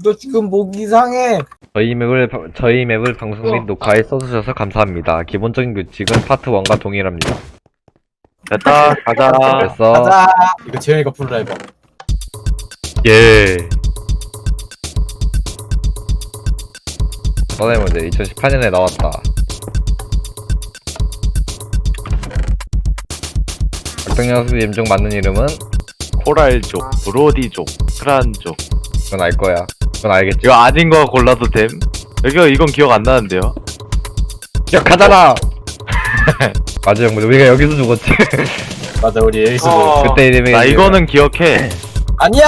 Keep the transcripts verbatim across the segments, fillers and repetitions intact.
너 지금 목 이상해. 저희 맵을 바- 저희 맵을 방송 및 어. 녹화에 써주셔서 감사합니다. 기본적인 규칙은 파트 일과 동일합니다. 됐다, 가자. 됐어. 가자. 이거 재현이가 불러 해봐. 예. 너네 문제 이천십팔 년에 나왔다. 악동녀수 임종 맞는 이름은? 코랄족, 브로디족, 크란족. 그건 알 거야. 그건 알겠지. 이거 아닌 거 골라도 됨? 여기가 이건 기억 안 나는데요? 기억하잖아. 맞아 형, 우리가 여기서 죽었지. 맞아, 우리 에이스. 어. 그때 이름이 나 이거는 기억해. 아니야.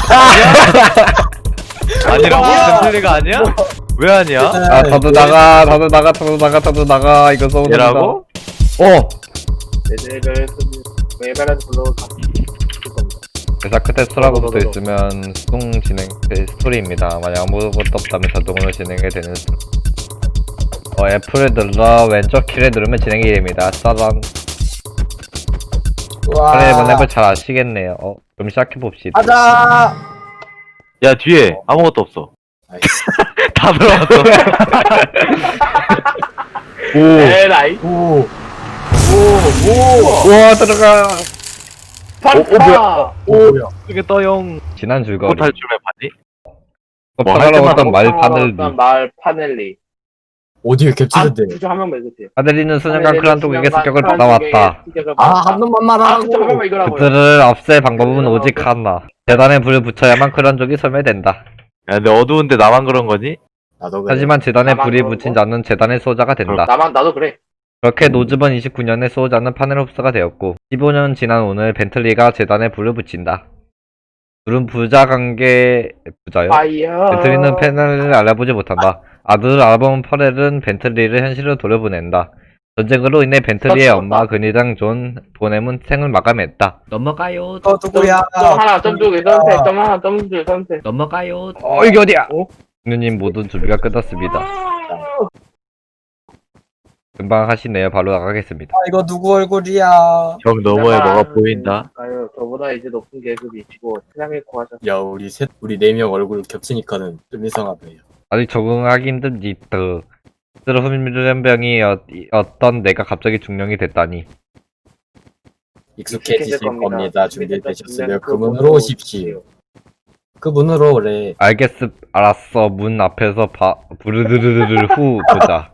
아니라고? 뭐야? 벤틀리가 아니야? 왜 아니야? 아 다들 나가, 다들 나가, 다들 나가, 다들 나가. 이거 써본다. 얘라고? 어. 내대별 외발한 불러 대사 끝에 스토라고 붙어 있으면 수동 진행 네, 스토리입니다. 만약 아무것도 없다면 자동으로 진행이 되는 스토리. 어, F를 눌러 왼쪽 키를 누르면 진행이 됩니다. 짜잔. 와. 그래, 이번 앱을 잘 아시겠네요. 어, 그럼 시작해봅시다. 가자. 야, 뒤에 아무것도 없어. 아이씨. 다 들어갔어. 오! 에라이 오. 오. 오. 우와, 들어가! 파파 오. 뭐야? 이게 떠용. 지난 줄거리. 또 탈출해 봤니? 어, 뭐, 파라로 할 어떤 말 파넬리. 말 파넬리 오디오 아 겹치는데. 그죠 한명 말해주세요 파넬리는 수년간 크란독에게 습격을 받아왔다. 아, 한 놈만 아 진짜 한 말하라고. 명만 이거라고요 그들을 없앨 방법은 오직 하나. 재단에 불을 붙여야만 크란족이 소멸된다. 야, 근데 어두운데 나만 그런 거니? 나도 그래. 하지만 재단에 나만 불이 그런 붙인 거? 자는 재단의 수호자가 된다. 나만 나도 그래 그렇게 노즈번 이십구 년에 수호자는 파넬 홉스가 되었고 십오 년 지난 오늘 벤틀리가 재단에 불을 붙인다. 둘은 부자 관계 부자요? 파이어 벤틀리는 파넬을 알아보지 못한다. 아들을 알아본 파넬은 벤틀리를 현실로 돌려보낸다. 전쟁으로 인해 벤틀리의 그렇죠. 엄마 근위당 존 보넴은 생을 마감했다. 넘어가요. 어, 누구야? 점 하나 점두 선택 점 하나 점두 선택 넘어가요. 어 이게 어디야? 어? 누님 모든 준비가 끝났습니다. 금방 하시네요. 바로 나가겠습니다. 아, 이거 누구 얼굴이야? 벽 너머에 뭐가 보인다. 아유 저보다 이제 높은 계급이시고 세상에 구하셔 야, 우리 셋, 우리 네 명 얼굴 겹치니까는 좀 이상하네요. 아직 적응하기 힘든 이트. 스스로 훈련병이 어, 어떤 내가 갑자기 중령이 됐다니. 익숙해지실 겁니다. 겁니다. 준비되셨으면 그 그 문으로 오십시오. 그 문으로 오래. 알겠음, 알았어. 문 앞에서 바, 부르르르르 후 보자.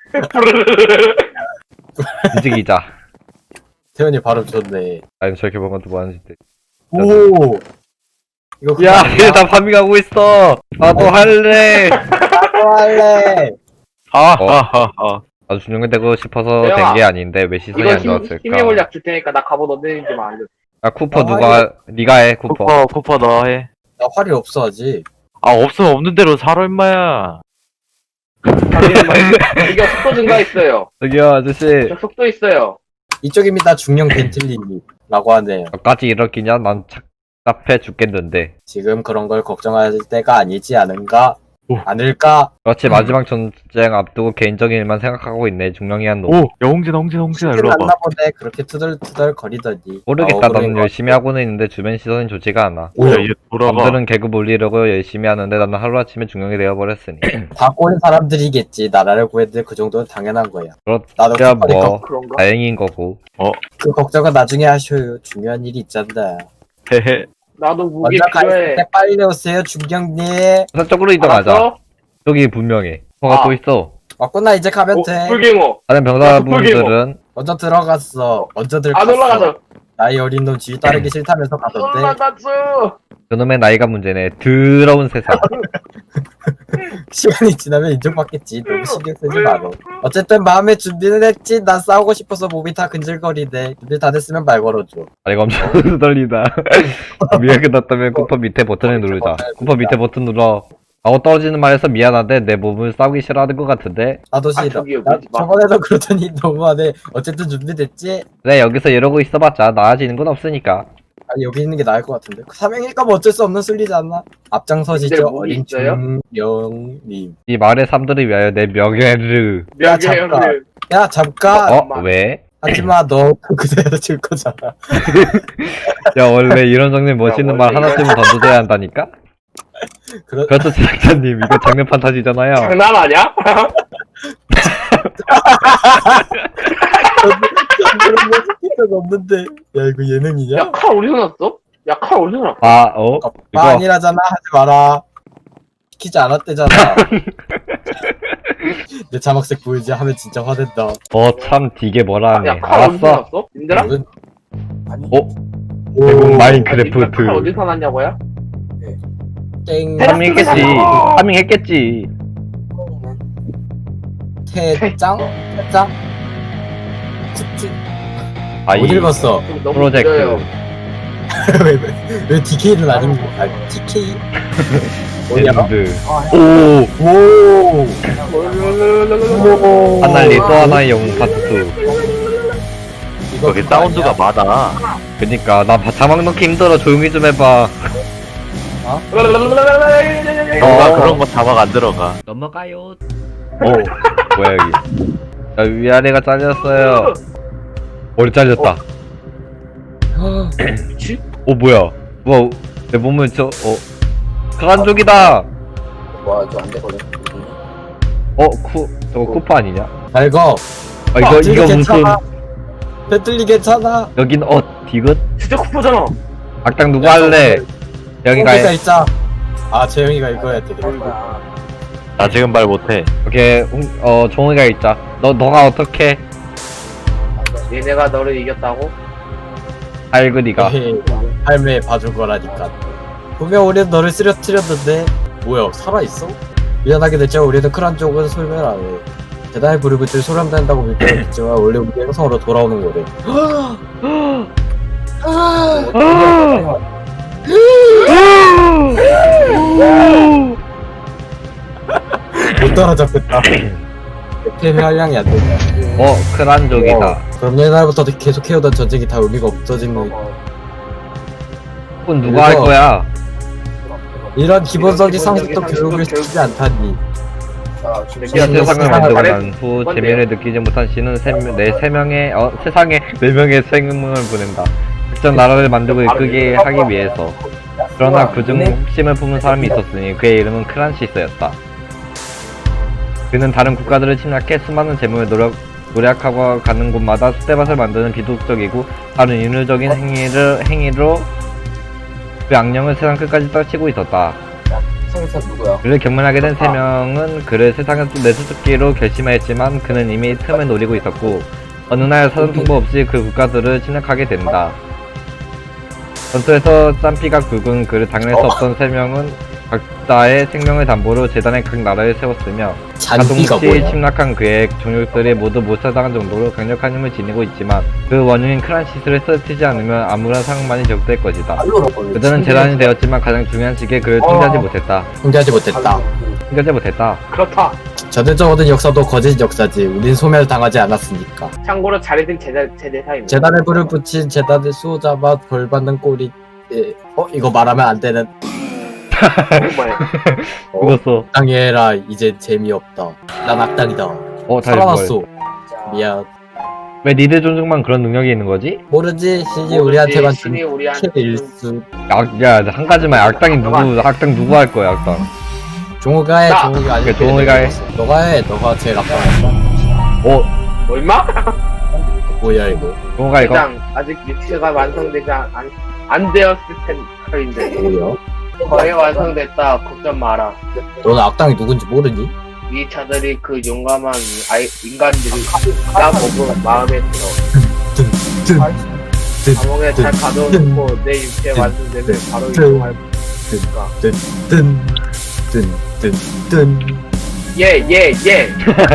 움직이자. 태연이 발음 좋네. 아니 저렇게 보면 또 뭐하는 짓. 오! 이거 그거 야, 아니야? 얘나 파밍하고 있어. 나도 할래. 나도 할래. 아, 어. 아, 아, 아. 나도 중령이 되고 싶어서 내가 된 게 아닌데 왜 시선이 이거 안 힘, 힘의 좋았을까? 물약 줄 테니까 나 갑옷 언제인지만 알려 아 쿠퍼 아, 누가 네가 해 쿠퍼. 쿠퍼, 쿠퍼 너 해. 나 활이 없어, 아직. 아, 없으면 없는 대로 살아, 임마야. 이거 속도 증가했어요 저기요 아저씨. 저 속도 있어요 이쪽입니다, 중령 벤틀리님. 라고 하네요. 너까지 이렇게냐? 난 답답해 죽겠는데. 지금 그런 걸 걱정할 때가 아니지 않은가? 오. 않을까? 그렇지 마지막 전쟁 앞두고 개인적인 일만 생각하고 있네. 중령이 한 놈. 오, 야, 홍진아, 홍진아, 홍진아, 일로 와봐. 만나 보네. 그렇게 투덜투덜 거리더니. 모르겠다. 아, 나는 억울해. 열심히 하고는 있는데 주변 시선이 좋지가 않아. 야, 오, 얘 돌아가. 남들은 계급 올리려고 열심히 하는데 나는 하루아침에 중령이 되어버렸으니. 다 꼬인 사람들이겠지. 나라를 구했는데 그 정도는 당연한 거야. 나도 그렇야 쿠퍼니까 뭐 그런가? 다행인 거고. 그 걱정은 나중에 하셔요. 중요한 일이 있잖아. 헤헤. 나도 무기 먼저 갈 필요해 때 빨리 오세요, 중경님. 저쪽으로 이동하자. 알았어? 저기 분명해. 뭐가 아. 또 있어. 왔구나, 이제 가면 어, 돼. 불갱어 다른 병사분들은 먼저 들어갔어. 먼저 안 들어갔어. 올라가서 나이 어린 놈 뒤 따르기 싫다면서 가던데. 올라갔어 그놈의 나이가 문제네. 더러운 세상. 시간이 지나면 인정받겠지. 너무 신경 쓰지 마라. 어쨌든 마음의 준비는 했지. 난 싸우고 싶어서 몸이 다 근질거리네. 준비 다 됐으면 말 걸어줘. 다리가 엄청 떨리다. 미가 끝났다면 쿠퍼 밑에 버튼을 누르자. 쿠퍼 밑에 버튼 눌러. 하고 떨어지는 말에서 미안한데 내 몸을 싸우기 싫어하는 것 같은데. 나도 아, 싫어. 저기요, 나 그러지 마. 저번에도 그러더니 너무하네. 어쨌든 준비됐지? 그래 여기서 이러고 있어봤자 나아지는 건 없으니까. 아니 여기 있는 게 나을 것 같은데. 삼행일까 뭐 어쩔 수 없는 순리지 않나? 앞장서시죠. 근데 뭐 어린 있어요? 중령님. 이 마을의 삶들을 위하여 내 명예를. 야, 잠깐. 명예형들 야 잠깐. 어? 엄마. 왜? 하지마 너 그대로 줄 거잖아. 야 원래 이런 정도의 멋있는 말 원래 하나쯤은 던져줘야 한다니까? 그렇 그렇죠 제작자님 이거 장면 판타지잖아요. 장난 아니야? 그런 거 시킨 적 없는데. 야 이거 예능이냐? 야, 칼 어디서 났어? 야, 칼 어디서 났어? 아 어? 아 이거 아니라잖아 하지 마라. 시키지 않았대잖아. 내 자막색 보이지 하면 진짜 화낸다. 어참 되게 뭐라네. 야, 칼 어디서 알았어. 났어? 님들아? 무슨- 어? 오, 대국 칼 마인크래프트. 어디서 났냐고요? 땡 파밍 했겠지. 파밍 했겠지. 태짱 태짱 툭툭 아이 못 읽었어. 좀 너무 프로젝트. 느려요. 왜왜 디케이는 아닌 거? 아 티케이 뭐야? 엔드. 오 오. 오. 하나리 또 하나의 영웅 파트 투. 이거 여기 그거 사운드가 아니야? 많아. 그니까 나 바- 자막 넣기 힘들어. 조용히 좀 해봐. 뭔가 그런 거 자막 안 들어가. 넘어가요. 어 뭐야 여기. 자 위아래가 잘렸어요. 머리 잘렸다. 미치? 어 뭐야? 뭐야? 내 몸을 저 어. 크란족이다. 와, 저 안 되거든. 어쿠 저거 쿠파 아니냐? 잘 거. 아 이거 이거 무슨 괜찮아. 배틀리 괜찮아. 여긴 어 디귿? 진짜 쿠퍼잖아. 악당 누구 야, 할래? 여기가 뽕이가 있자. 아 재영이가 이거야 되게. 나 지금 말 못해. 오케이 홍- 어 종이가 있자. 너 너가 어떻게 얘네가 너를 이겼다고? 알그리가 에헤이, 삶에 봐줄 거라니까. 분명 우리는 너를 쓰러뜨렸는데 뭐야 살아 있어? 미안하게 됐지만 우리는 크란 쪽은 소멸 안 해. 대단히 부르고줄 소란된다고 믿겠지만 원래 우리 행성으로 돌아오는 거래. 못 따라잡겠다. 템의 한량이 안 된다. 어 크란족이다. 어, 그럼 옛날부터 계속 해오던 전쟁이 다 의미가 없어지는 그건 누가 할 이거- 거야? 이런 기본적인 기본적인 상식도 상식도 교육을 교육- 시키지 않다니. 아, 이 야, 세상을 세상을 만들고 잘해- 난 후 뭔데요? 재미를 느끼지 못한 신은 세, 네, 세 명의 어, 세상에 네 명의 생명을 보낸다. 특정 나라를 만들고 이끌게 하기 위해서. 그러나 그중 혹심을 품은 사람이 있었으니 그의 이름은 크란시스였다. 그는 다른 국가들을 침략해 수많은 재물을 노력, 노력하고 가는 곳마다 쑥대밭을 만드는 비도덕적이고 다른 인류적인 행위를, 행위로 그 악령을 세상 끝까지 떨치고 있었다. 생선 누구야? 그를 경멸하게 된 세 명은 그를 세상에서 내쫓기로 결심하였지만 그는 이미 틈을 노리고 있었고 어느 날 사전 통보 없이 그 국가들을 침략하게 된다. 전투에서 짬피가 굵은 그를 당할 수 없던 세 명은 각자의 생명을 담보로 재단의 각 나라를 세웠으며 잔비가 가동시 뭐야? 침략한 그의 종족들이 모두 몰살당한 정도로 강력한 힘을 지니고 있지만 그 원흉인 크란시스를 쓰러뜨리지 않으면 아무런 상황만이 지속될 것이다. 알로로 걸려. 그들은 재단이 되었지만 가장 중요한 시기에 그를 통제하지 못했다. 통제하지 못했다. 통제하지 못했다. 그렇다. 전해져오던 역사도 거짓 역사지. 우린 소멸당하지 않았으니까. 참고로 잘해준 제자, 제대사입니다. 재단에 불을 붙인 재단의 수호자마 벌 받는 꼴이. 예. 어 이거 말하면 안 되는. 정말. 죽었어. 악당해라 이제 재미없다. 난 악당이다. 어, 다시 살아났어. 미안. 왜 니들 종족만 그런 능력이 있는 거지? 모르지 신이 우리한테만 준 신이 우리한테 준 일수. 악, 야, 한 가지만 악당이 누구, 악당 누구 할 거야, 악당. 종호가 해. 나! 종호가 아니. 그래, 종호가 해. 너가 해. 너가 제일 악당이다. 어, 뭐 임마? 뭐야 이거. 종호가 이거? 대장 아직 유치가 완성되지 않, 안, 안 되었을 텐데 뭐야? 거의 완성됐다. 걱정 마라. 너는 악당이 누군지 모르니? 이 차들이 그 용감한 아이, 인간들이 나 보고 마음에 들어. 든, 감옥에 잘 가둬놓고 내 육체 완성되면 바로 이동할 거니까. 든, 든, 든, 든, 든. 예, 예, 예.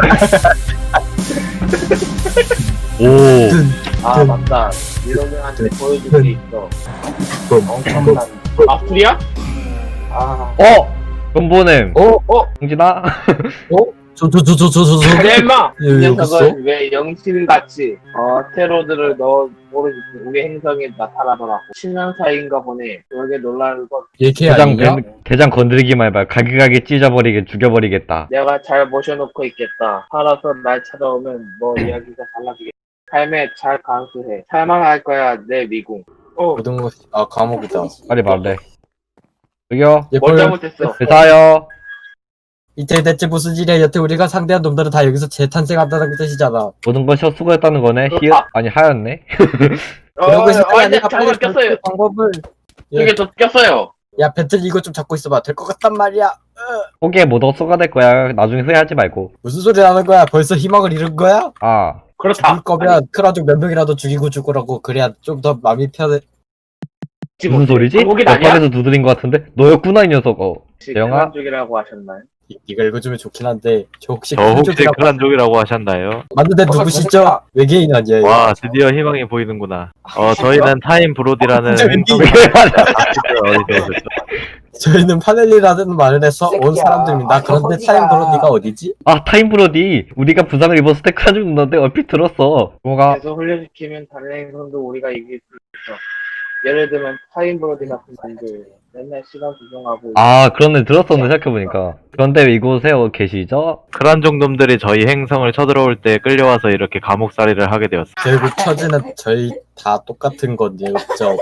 오, 든, 아 든. 맞다. 이놈한테 보여줄 게 있어. 든. 엄청난. 아프리야? 아, 어! 돈보냄. 어? 어? 홍진아? 어? 저, 저, 저, 저, 저, 저, 저. 내 임마. 예, 이 여기 있어? 녀석은 왜 영신같이 어 테로드를 넣어 모르지 우리 행성에 나타나더라고. 십 년 사이인가 보네. 그러게 놀랄 것. 얘걔 대장, 아니냐? 대- 대장 건드리기만 해봐. 가게가게 찢어버리게, 죽여버리겠다. 내가 잘 모셔놓고 있겠다. 살아서 날 찾아오면 뭐 이야기가 달라지겠다. 삶에 잘 감수해. 살만할 거야 내 미궁. 어 모든 것이, 아, 감옥이다. 빨리 말해. 여기요. 예, 뭘 뭘 잘못했어? 회사요. 이태 대체 무슨 일이야? 여태 우리가 상대한 놈들은 다 여기서 재탄생한다는 뜻이잖아. 모든 것이 헛수고였다는 거네. 그, 히읗 아. 아니 하였네. 그러고 있을 때 어, 아니라 잠깐 빨리 꼈어요. 그 방법을. 예. 이게 저 꼈어요. 야 배틀 이거 좀 잡고 있어봐. 될 것 같단 말이야. 포기해 못 헛수가 될 거야. 나중에 후회하지 말고. 무슨 소리 하는 거야? 벌써 희망을 잃은 거야? 아 그렇다. 죽을 거면 크라족 몇 명이라도 죽이고 죽으라고. 그래야 좀 더 마음이 편해. 무슨 소리지? 거긴 아니야? 옆방에서 두드린 것 같은데? 너였구나 이 녀석. 어. 영화? 쪽이라고 하셨나요? 이- 이거 읽어주면 좋긴 한데 저 혹시 저 혹시 크라족이라고 크란족이라고 하셨나요? 맞는데 어, 누구시죠? 깜짝이야. 외계인 아니에요? 와 드디어 희망이 보이는구나. 어 저희는 타임 브로디라는 진짜 행성을 어디서 오셨죠? 저희는 파넬리라는 말을 해서 온 새끼야. 사람들입니다. 아, 그런데 어디가. 타임 브로디가 어디지? 아 타임브로디. 우리가 부상을 입었을 때 크라죽 누나인데 얼핏 들었어. 뭐가? 계속 훈련시키면 다른 행성도 우리가 이길 수 있어. 예를 들면 타임 브로디 같은 분들 맨날 시간 조정하고 아 그런데 들었었네 생각해보니까. 그런데 이곳에 어, 계시죠? 크란족 놈들이 저희 행성을 쳐들어올 때 끌려와서 이렇게 감옥살이를 하게 되었어. 결국 처지는 저희 다 똑같은 건데요. 저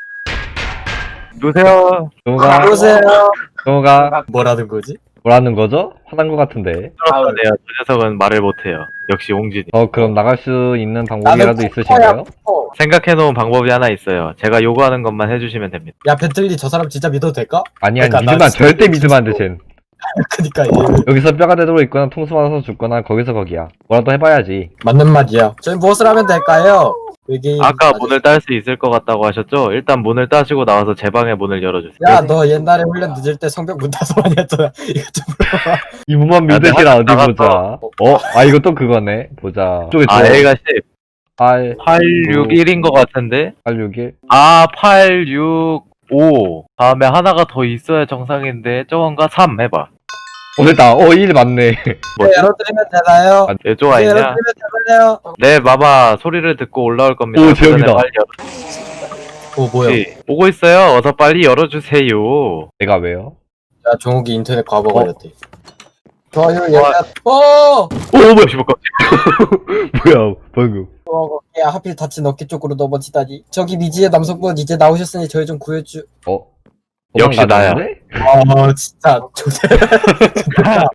누구세요? 누가? 보세요. 누가? 뭐라는 거지? 뭐라는 거죠? 화난 것 같은데. 들었네요. 저 녀석은 말을 못해요. 역시 옹진이. 어 그럼 나갈 수 있는 방법이라도 나는 있으신가요? 어. 생각해놓은 방법이 하나 있어요. 제가 요구하는 것만 해주시면 됩니다. 야 배틀리 저 사람 진짜 믿어도 될까? 아니 아니 그러니까 믿으면 난 안- 절대 진짜 믿으면 안돼 쟨. 그니까 얘 여기서 뼈가 되도록 있거나 통수 맞아서 죽거나 거기서 거기야. 뭐라도 해봐야지. 맞는 말이야. 저희 무엇을 하면 될까요? 외계인 아까 아저씨. 문을 딸 수 있을 것 같다고 하셨죠? 일단 문을 따시고 나와서 제 방의 문을 열어주세요. 야 너 옛날에 훈련 늦을 때 성벽 문 닫아 많이 했잖아. 이거 좀 물어봐. 이분만 야, 믿으시라 내가 어디 나갔어. 보자. 어? 아 이거 또 그거네. 보자. 쪽에 아 A가 십, 팔, 팔육일인 것 같은데? 팔육일. 아, 팔육오. 다음에 하나가 더 있어야 정상인데, 저건가? 삼 해봐. 어 됐다. 어 일 맞네. 뭐지? 열어드리면 되나요? 아, 예조 네, 아니냐? 열어드리면 되나요? 네, 마마 소리를 듣고 올라올 겁니다. 오, 그 전에 재혁이다. 빨리 오 뭐야? 열어주세요. 오고 있어요. 어서 빨리 열어주세요. 내가 왜요? 야 종욱이 인터넷 과거 어? 걸렸대. 좋아요 와. 얘가 어! 오, 뭐야, 씨발. 뭐야 방금. 어, 야 하필 다친 어깨 쪽으로 넘어지다니. 저기 미지의 남성분 이제 나오셨으니 저희 좀 구해주. 어? 역시 나야. 도망가는데? 아 진짜 좋대.